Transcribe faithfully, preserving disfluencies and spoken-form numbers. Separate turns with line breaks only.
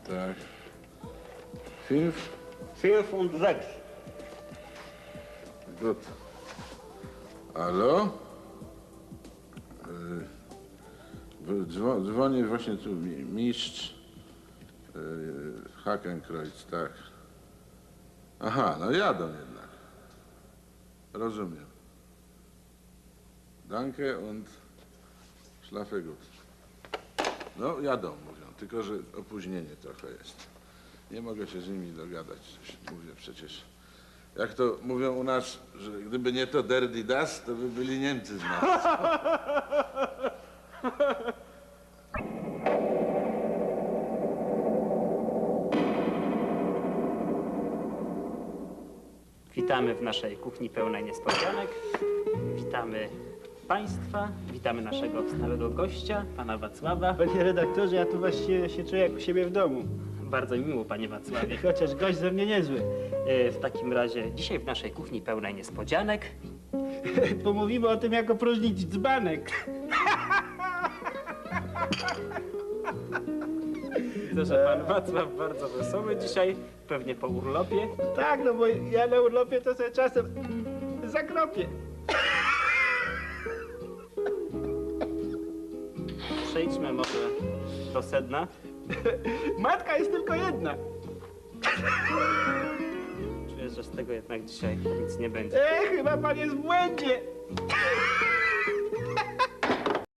Tak. Fünf?
Fünf und sechs.
Gut. Halo? Yy, dzwo, dzwoni właśnie tu mi, mistrz yy, Hakenkreuz, tak. Aha, no jadą jednak. Rozumiem. Danke und schlafe gut. No jadą, mówią, tylko że opóźnienie trochę jest. Nie mogę się z nimi dogadać, coś mówię przecież. Jak to mówią u nas, że gdyby nie to der die das, to by byli Niemcy z nas.
Witamy w naszej kuchni pełnej niespodzianek. Witamy Państwa, witamy naszego stałego gościa, pana Wacława.
Panie redaktorze, ja tu właściwie się czuję jak u siebie w domu.
Bardzo mi miło, panie Wacławie.
Chociaż gość ze mnie niezły.
E, W takim razie dzisiaj w naszej kuchni pełnej niespodzianek
Pomówimy o tym, jak opróżnić dzbanek.
widzę, że pan Wacław bardzo wesoły dzisiaj, pewnie po urlopie.
Tak, no bo ja na urlopie to sobie czasem zakropię.
Przejdźmy może do sedna.
Matka jest tylko jedna.
Czuję, że z tego jednak dzisiaj nic nie będzie.
E, chyba pan jest w błędzie.